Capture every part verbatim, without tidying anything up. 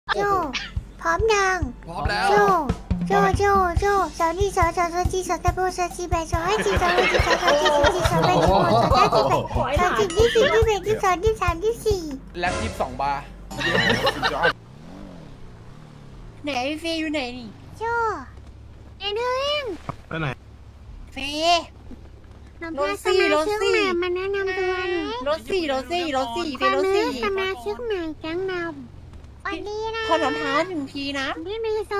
โจพร้อมยังพร้อมแล้วโจโจโจโจสาวนี่สาวสาวสาวจีสาวตะโบสาวจีแบสาวให้จีสาวให้จีสาวสาวจีสาวจีสาวแบสาวสาวจีแบสาวจีที่สี่ที่แบที่สองที่สามที่สี่แล็บยี่สิบสองบาร์ไหนเฟยอยู่ไหนนี่โจไอ้เด้งไปไหนเฟย รถสี่รถสี่มาแนะนำตัวหน่อยรถสี่รถสี่รถสี่เฟยรถสี่สมาชิกใหม่แก๊งนำวันนี้นะขอรองเท้าหนึ่งทีนะพี่มีโซ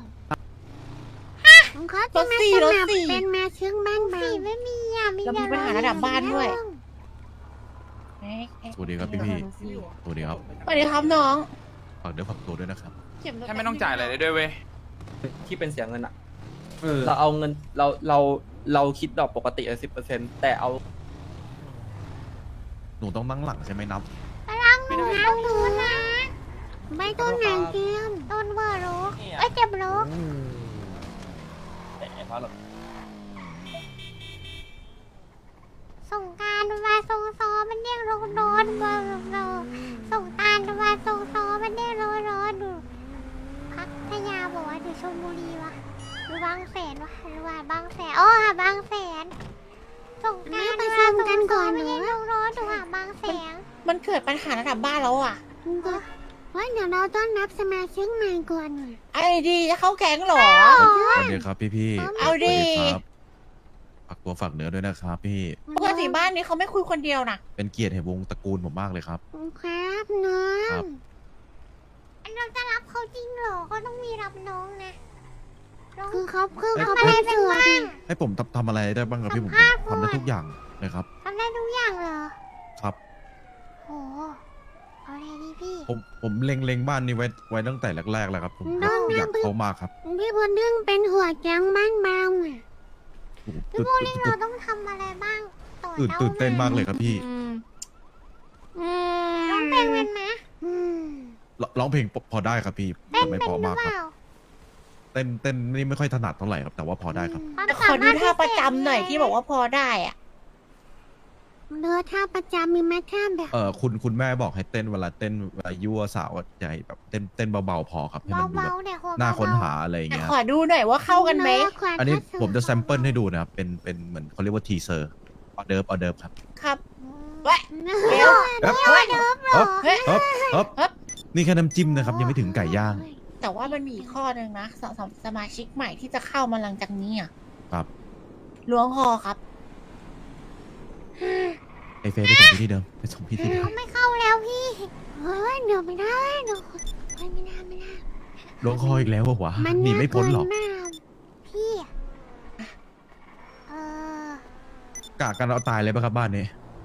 ผมเขารจะถมาสี่สรถมัครสี่เป็นมาชิกบ้านบางไม่มีอ่ะมีเรามีปัญหาระดับบ้านด้วยสวัสดีครับพี่พี่สวัสดีครับสวัสดีครับน้องฝากเนื้อฝากตัวด้วยนะครับให้ไม่ต้องจ่ายอะไรเลยด้วยเว้ยที่เป็นเสียเงินอะเออเราเอาเงินเราเราเราคิดดอกปกติสิบเปอร์เซ็นต์แต่เอาหนูต้องนั่งหลังใช่ไหมนับพลังหนูนะหนูนะไม่ต้นไหนเกมต้นเบอร์รู้เอ้ยเจ็บรู้ ส่งการมาส่งซอมันเรียกโรนอนมาเราส่งการมาส่งซอมันเรียกโรนอนดูพัทยาบอกว่าหรือชลบุรีวะหรือบางแสนวะหรือว่าบางแสนอ๋อหาบางแสนส่งการมาส่งกันก่อนไม่ใช่โรนอนดูหาบางแสนมันเกิดปัญหาระดับบ้านแล้วอ่ะว่าเดี๋ยวเราต้องนับสมาชิกใหม่ก่อนไอ้ดีจะเข้าแก๊งเหรอสวัสดีครับพี่พี่เอาดิครับฝากตัวฝากเนื้อด้วยนะครับพี่ปกติบ้านนี้เขาไม่คุยคนเดียวนะเป็นเกียรติแห่งวงตระกูลผมมากเลยครับครับน้อครังบเราจะรับเขาจริงเหรอเขาต้องมีรับน้องนะคือเขาคือเขาอะไรเป็นบ้างให้ผมทำทำอะไรได้บ้างครับพี่ผมสัมภาษณ์ทำได้ทุกอย่างเลยครับทำได้ทุกอย่างเหรอครับโหเอาอะไรดีพี่ผมผมเล็งเล็งบ้านนี้ไว้ไว้ตั้งแต่แรกๆแล้วครับผมน้องอยากน้องเขามากครับพี่บุญดึงเป็นหัวแก๊งบ้านบางอ่ะโอ้โหพี่ตื่นบุญดึงตื่เรานต้องทำอะไรบ้างต่อตื่นตื่นเต้นมากเลยครับพี่อืมอืร้องเพลงเป็นไหมอืมร้องร้องเพลงพอได้ครับพี่เต้นแต่ไม่เป็นพอหรือมากเปครับล่าเต้นเต้นนี่ไม่ค่อยถนัดเท่าไหร่ครับแต่ว่าพอได้ครับแต่ขอดูท่าประจำหน่อยที่บอกว่าพอได้อ่ะเนื้อท่าประจำมีไหมท่าแบบเออคุณคุณแม่บอกให้เต้นเวลาเต้นเวลายั่วสาวใหญ่แบบเต้นเต้นเบาๆพอครับให้มันดูแบเบาบๆเนี่ยน่าค้นหาอะไรอย่างแต่เงี้ยขอดูหน่อยว่าเข้ากันไหมอันนี้ผมจะแซมเปิลให้ดูนะครับเป็นเป็นเหมือนเขาเรียกว่าทีเซอร์ออเดิร์ฟออเดิร์ฟครับครับเว้ยเดี๋ยวเอ๊ะเฮ้ยเอ๊บเฮ้ยเอ๊บเอ๊บเอ๊บนี่แค่น้ำจิ้มนะครับยังไม่ถึงไก่ย่างแต่ว่ามันมีอีกข้อหนึ่งนะสำหรับสมาชิกใหม่ที่จะเข้ามาหลังจากนี้อ่ะครับล้วงคอครับไอเฟยไปส่งพี่ที่เดิมไปส่งพี่ที่เดิมเขาไม่เข้าแล้วพี่เฮ้ยเดี๋ยวไม่ได้เดี๋ยวเฮ้ยไม่ได้ไม่ได้ลงคออีกแล้ววะมันหนีไม่พ้นหรอกาเกิากพี่เออกะกันเอาตายเลยป่ะครับบ้านนี้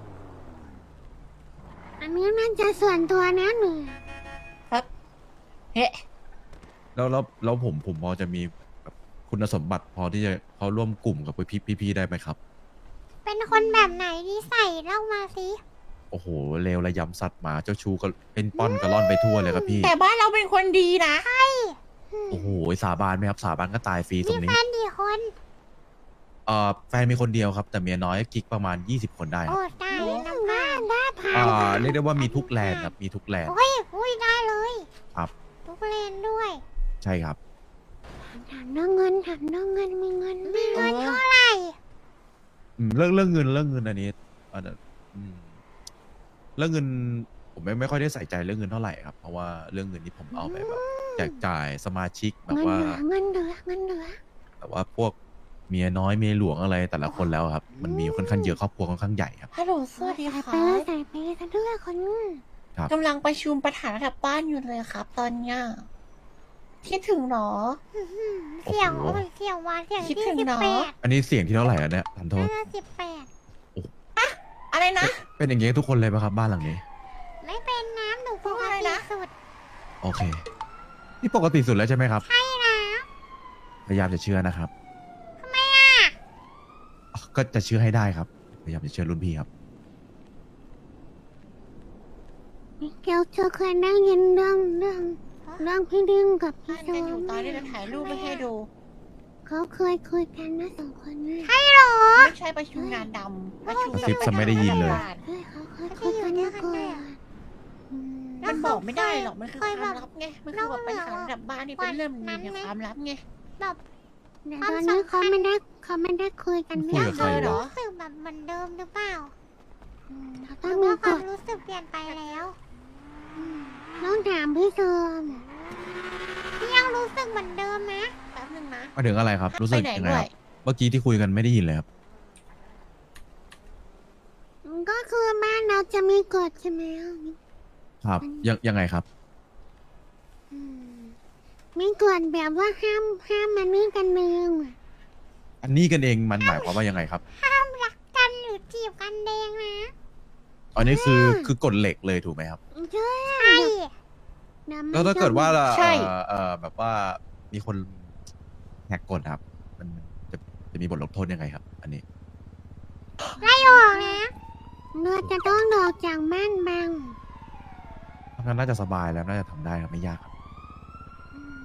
อันนี้น่าจะส่วนตัวนะหนูครับเฮ้แล้วแล้วแล้วผมผมพอจะมีแบบคุณสมบัติพอที่จะเขาร่วมกลุ่มกับพี่พี่พี่ได้ไหมครับเป็นคนแบบไหนที่ใส่เล่ามาสิโอ้โหเลวระยำสัตว์หมาเจ้าชู้ก็เป็นป้อนกระล่อนไปทั่วเลยครับพี่แต่บ้านเราเป็นคนดีนะโอ้โหสาบานไหมครับสาบานก็ตายฟรีตมีรงแฟนี้นกี่คนเอ่อแฟนมีคนเดียวครับ แต่เมียน้อยกิ๊กประมาณยี่สิบคนได้คโอ้รับได้น้ำหน้าได้ผ่านอ่าเรียกได้ว่ามีทุกแลนด์ครับมีทุกแลนด์โอ้ยอุ้ยได้เลยครับทุกเลนด้วยใช่ครับถามเรื่องเงินถามเรื่องเงินมีเงินมีเงินเท่าไหร่อืมเรื่องเรื่องเงินเรื่องเงินอันนี้อันนั้นอืมเรื่องเงินผมไม่ไม่ค่อยได้ใส่ใจเรื่องเงินเท่าไหร่ครับเพราะว่าเรื่องเงินนี่ผมเอาไปแบบแจกจ่ายสมาชิกแบบเงินว่าเหลือเงินเหลือเงินเหลือแบบว่าพวกเมียน้อยเมียหลวงอะไรแต่ละคนแล้วครับ มันมีค่อนข้างเยอะครอบครัวค่อนข้างใหญ่ครับฮัลโหลสวัสดีใส่คไปรัเลยบใส่ไปเลยซะด้วยคนกำลังประชุมประธานระดับบ้านอยู่เลยครับ ตอนเนี้ยคิดถึงเหรอเสียงโอ้ยเสียงหวานเสียงคิดที่ถึงสิบเนอะแปดอันนี้เสียงที่เท่าไหร่แล้วเนี่ยทันโทษน่าจะสิบแปดอะไรนะเป็นอย่างงี้ทุกคนเลยป่ะครับบ้านหลังนี้ไม่เป็นน้ำหนูปกอะไรตินะสุดโอเค นี่ปกติสุดแล้วใช่ไหมครับใช่นะพยายามจะเชื่อนะครับทำไมอ่ะก็จะเชื่อให้ได้ครับ พยายามจะเชื่อรุ่นพี่ครับเกียวเธอเคยได้ยินเรื่องเรื่องเรื่องพี่ดึงกับพี่บ้านโซกันอยู่ตอนนี้จะถ่ายรูปไปให้ดูเขาเคยคุยกันนะสองคนนี้ใช่หรอไม่ใช่ประชุมงานดำประชุมกระซิบซะไม่ได้ยินเลยบ้านเฮ้ยเขาเคยคุยกันมาก่อนอืมมันบอกไม่ได้หรอก มันคือเคยความแบบลับไง มันคือแบบปัญหาระดับบ้านนี่เป็นเรื่องมันมีความลับไงแบบแต่ความตอนนี้สัมพัเขานธ์ไม่ได้เขาไม่ได้คุยกันคุไม่ยได้กับใครเหรอรู้สึกแบบเหมือนเดิมหรือเปล่าอืมเขาหต้อรืงอมีว่าคกวามฎรู้สึกเปลี่ยนไปแล้วต้องถามพี่เซอร์มพี่ยังรู้สึกเหมือนเดิมนะแป๊บนึงนะมาถึงอะไรครับ รู้สึกไปไหนยังไงด้คว รับยเมื่อกี้ที่คุยกันไม่ได้ยินเลยครับก็คือบ้านเราจะมีกฎใช่ไหมครับ ยังยังไงครับอืมมีกฎแบบว่าห้ามห้ามมันนี่กันเมืองอะอันนี้กันเองมันหมายความว่ายังไงครับห้ามรักกันหรือจีบกันเองนะอันนี้คือคือกฎเหล็กเลยถูกไหมครับใช่ใช่ดี๋ยมันแล้วถ้าเกิดว่าใช่เอ่อเอ่อแบบว่ามีคนแหกกฎครับ มันจะจะมีบทลงโทษยังไงครับ อันนี้ไล่ออกนะเราจะต้องออกจากบ้านบางทำงานน่าจะสบายแล้วน่าจะทำได้ครับไม่ยากครับอืม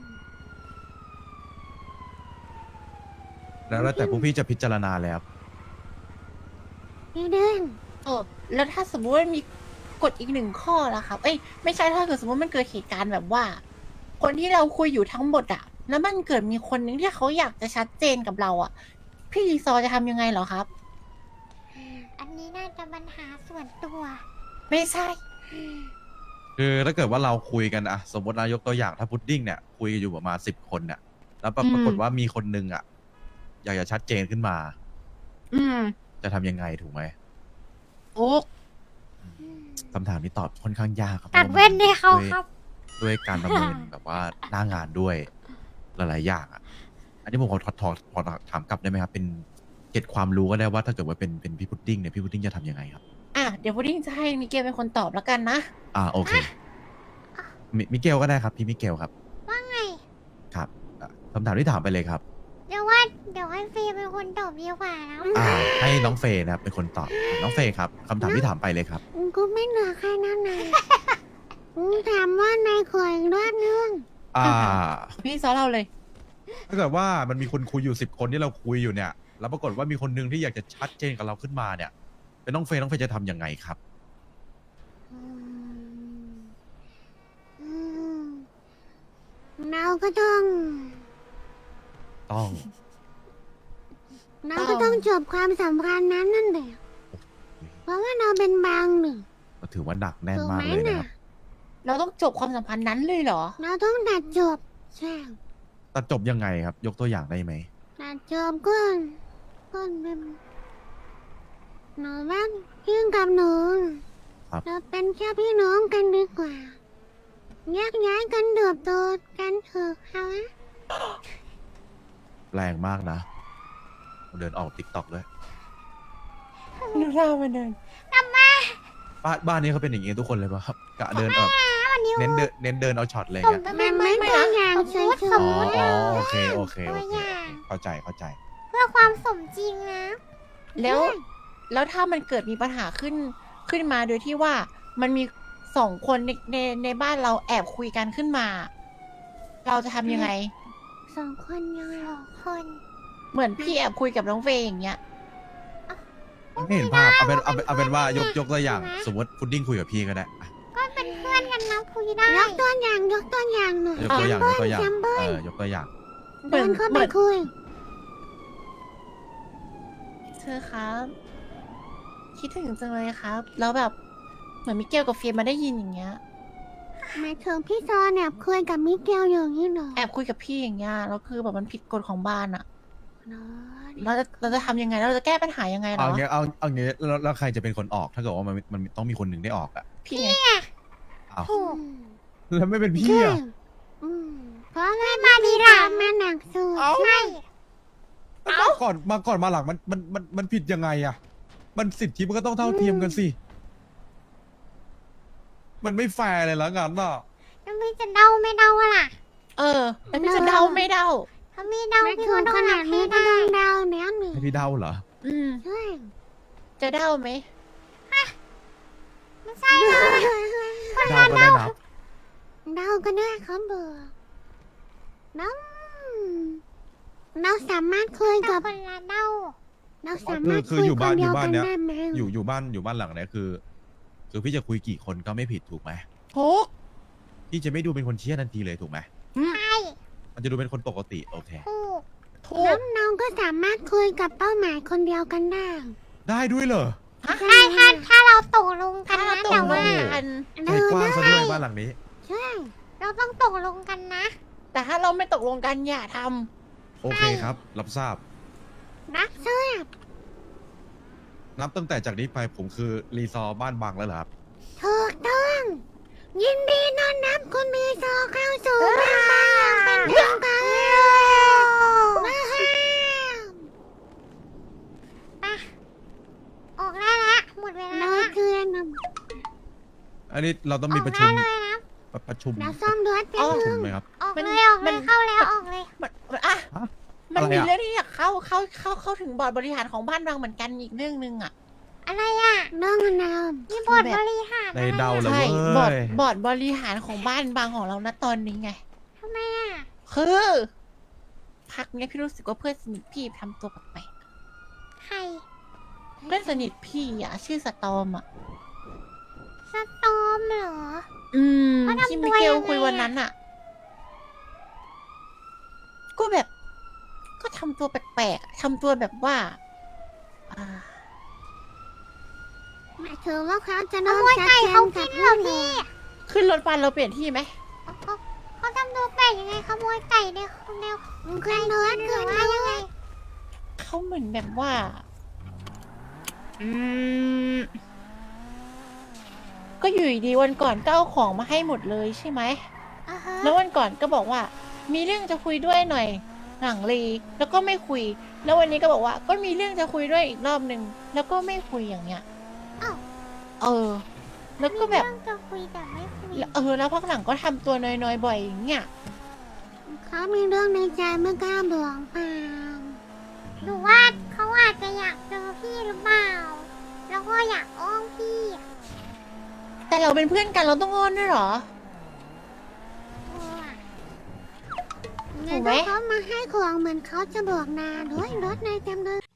แล้วแล้วแต่พวกพี่จะพิจารณาเลยครับพี่เดินเออแล้วถ้าสมมติว่ามีกฎอีกหนึ่งข้อล่ะครับ เอ้ยไม่ใช่ถ้าเกิดสมมติมันเกิดเหตุการณ์แบบว่า คนที่เราคุยอยู่ทั้งหมดอะแล้วมันเกิดมีคนนึงที่เขาอยากจะชัดเจนกับเราอะพี่รีซอร์จะทำยังไงเหรอครับอันนี้น่าจะปัญหาส่วนตัวไม่ใช่คือถ้าเกิดว่าเราคุยกันอะสมมตินายกตัวอย่างถ้าพุดดิ้งเนี่ยคุยกันอยู่ประมาณสิบคนเนี่ยแล้วปรอืมปรากฏว่ามีคนนึงอะอยากจะชัดเจนขึ้นมาอืมจะทำยังไงถูกไหมโอ้คำถามนี้ตอบค่อนข้างยากครับตัดพราะเว้นให้เขาด้วยครับด้วยการประเมิน แบบว่าหน้างานด้วยหลายๆอย่างอะอันนี้ผมขอถอดถอดขอถามกลับได้ไหมครับ เป็นเก็ตความรู้ก็ได้ว่าถ้าเกิดว่าเป็นเป็นพี่พุดดิ้งเนี่ยพี่พุดดิ้งจะทำยังไงครับอ่ะเดี๋ยวพุดดิ้งจะให้มิเกลเป็นคนตอบแล้วกันนะอ่าโอเคมิมิเกลก็ได้ครับ พี่มิเกลครับว่าไงครับอ่ะคำถามที่ถามไปเลยครับเดี๋ยวว่าเดี๋ยวให้ฟีเป็นคนตอบดีกว่านะอ่า ให้น้องเฟย์นะครับเป็นคนตอบน้องเฟย์ครับคำถามที่ถามไปเลยครับกูไม่เหลือใครนั่นเลยกูถามว่านายขออีกรอบนึงอ่าพี่ซอเราเลยถ้าเกิดว่ามันมีคนคุยอยู่สิบคนที่เราคุยอยู่เนี่ย แล้วปรากฏว่ามีคนหนึงที่อยากจะชัดเจนกับเราขึ้นมาเนี่ย เป็นน้องเฟย์น้องเฟย์จะทำยังไงครับอืมอืมเราก็ต้องต้องเราก็ต้องจบความสัมพันธ์นั้นนั่นแหละเพราะว่าเราเป็นบางหนึ่งก็ถือว่าหนักแน่นถูกมากไหมเลยนะน่ะครับเราต้องจบความสัมพันธ์นั้นเลยเหรอเราต้องตัดจบใช่แต่จบยังไงครับ ยกตัวอย่างได้ไหมตัดจบก็ก็เป็นหนูว่าพี่กับหนูครับเราเป็นแค่พี่น้องกันดีกว่าแยกย้ายกันเติบโตกันเถอะค่ะแรงมากนะเดินออกติ๊กต็อกด้วยดูหน้ามันเดินบ้านบ้านนี้เขาเป็นอย่างนี้ทุกคนเลยป่ะครับกะเดินแบบวันนี้เน้นเดินเน้นเดินเอาช็อตเลยผมเงี้ยไม่ไม่ไม่ตัวนะอย่างสมเฉมยติสอ๋มอมติอ๋อโอเคโอเคโอตัวเคอย่างเข้าใจเข้าใจเพื่อความสมจริงนะแล้ว แล้วถ้ามันเกิดมีปัญหาขึ้นขึ้นมาโดยที่ว่ามันมีสองคนในในในบ้านเราแอบคุยกันขึ้นมา เราจะทำยังไงๆสองคนยังไงสองคนเหมือนพี่แอบคุยกับน้องเฟย์อย่างเงี้ยไม่เห็นภาพเอาเป็นเอาเป็นเอาเป็นว่ายกยกตัวอย่าง สมมติพุดดิ้งคุยกับพี่ก็ได้อ่ะก็เป็นเพื่อนกันนะคุยได้ยกตัวอย่างยกตัวอย่างหน่อยยกตัวอย่างยกตัวอย่างแซมเปิลเออยกตัวอย่างเหมืเดิอนนเข้าเหไปมือนคุยเธอครับ คิดถึงจังเลยครับ แล้วแบบเหมือนมิเกลกับเฟย์มาได้ยินอย่างเงี้ยหมายถึงพี่ซอนแอบคุยกับมิเกลอย่างนี้เหรอแอบคุยกับพี่อย่างเงี้ยแล้วคือแบบมันผิดกฎของบ้านอะเนาะเราจะเราจะทำยังไงแล้วเราจะแก้ปัญหายังไงเหรเอาอเงี้ยเอาเอาเงี้ยแล้วแล้วใครจะเป็นคนออกถ้าเกิดว่ามันมันต้องมีคนหนึ่งได้ออกอ่ะพี่ไงอ้าวถูกแล้วไม่เป็นพี่ใช่อ่ะอืมเพราะว่ามาดีหลังมาหนักสุดเอ้าใช่มาก่อนมาก่อนมาหลังมันมันมันมันผิดยังไงอ่ะ มันสิทธิมันก็ต้องเท่าเทียมกันสิ มันไม่แฟร์เลยละงั้นน่ะแล้วพี่จะเดาไม่เดาอะล่ะเออแล้วพี่จะเดาไม่เดาถ้ามีเดาไม่พี่ถึก็งต้อขงนารัดบนี้ให้ก็ได้ต้องเดาแล้วหนึ่งให้พี่เดาเหรออืมใช่จะเดาไหมไม่ใช่เลยเดาก็ได้นะเดาก็ได้ครับเบอร์น้องเราสามารถคุยแต่กับคนละเดาเราสามารถคือคุยอยู่คบ้านนเดียวอยู่บ้ากัน นเนี้ยได้ไหมอยู่อยู่บ้านอยู่บ้านหลังเนี้ยคือ คือพี่จะคุยกี่คนก็ไม่ผิดถูกไหมทุกพี่จะไม่ดูเป็นคนเชี่ยทันทีเลยถูกไหมใช่มันจะดูเป็นคนปกติโอเคถูกทุกน้องๆก็สามารถคุยกับเป้าหมายคนเดียวกันได้ได้ด้วยเหรอใช่ถ้าถ้าเราตกลงกันถ้าเรานะตกแต่ลว่างกันใจกว้างซะด้วยบ้านหลังนี้ใช่เราต้องตกลงกันนะแต่ถ้าเราไม่ตกลงกันอย่าทโอเคครับ รับทราบนะใช่นับตั้งแต่จากนี้ไปผมคือรีซอร์บ้านบางแล้วเหรอครับถูกต้อง ยินดีต้อนรับคุณมีโซเข้าสู่บ้านบางเป็นทางการว้าวไปออกได้ละหมดเวลาเราละคือนะอันนี้เราต้องอมีอกประได้ชุมเลยนะประประชุมเราซ่อมรถำแป๊อ๋บอประชุนึมงไหมครับออกมันเลยออกมัเลนยเข้าแล้วออกเลยมันมันอ่ะฮะมันอะไรมีอะเรื่องที่อยากเข้าเข้าเข้าเข้าถึงบอร์ดบริหารของบ้านบางเหมือนกันอีกเรื่องหนึ่งอ่ะอะไรอ่ะเรื่องนามมีบทบริหารในอะไรเดาเลยใช่เว้บอร์ดยบอร์ดบริหารของบ้านบางของเราณตอนนี้ไงทำไมอ่ะคือพักเนี้ยพี่รู้สึกว่าเพื่อนสนิทพี่ทำตัวแปลกใครๆเพื่อนสนิทพี่อ่ะชื่อสตอมอ่ะสตอมเหรออืมเขาทำที่ตัมิวเกลยังไงคุยวันอะนั้นอ่ะ ก็แบบ ก็ทำตัวแปลกๆอะทำตัวแบบว่า อ่าหมายถึงว่าเขาจะขน้องโมยชัดไก่เจเขานกิกับนเหรเพื่ออนพี่ขึ้นรถบัสเราเปลี่ยนที่ไหมเขาเขาทำตัวแปลกยังไงขโมยไก่ในในขึ้นรถหรืขึ้อน ว่าร ยังไงถเขาเหมือนแบบว่า อืม ก็อยู่ดีๆวันก่อนก็เอาของมาให้หมดเลยใช่ไหมอ่าฮะแล้ววันก่อนก็บอกว่า มีเรื่องจะคุยด้วยหน่อย หลังรีแล้วก็ไม่คุย แล้ววันนี้ก็บอกว่า ก็มีเรื่องจะคุยด้วยอีกรอบหนึ่งแล้วก็ไม่คุยอย่างเงี้ยอ้าวเออ แล้วก็แบบมีเรื่องจะคุยแต่ไม่คุยแล้วเออ แล้วพักหลังก็ทำตัวน้อยๆบ่อยอย่างเงี้ยเขามีเรื่องในใจไม่กล้าบอกเปล่าหรือว่าเขาอาจจะอยากเจอพี่หรือเปล่า แล้วก็อยากอ้อนพี่อะแต่เราเป็นเพื่อนกันเราต้องอ้อนด้วยเหรอเอออะถูกไหมงั้นเขามาให้ของเหมือนเขาจะบอกนาด้วยรถในเต็มเลย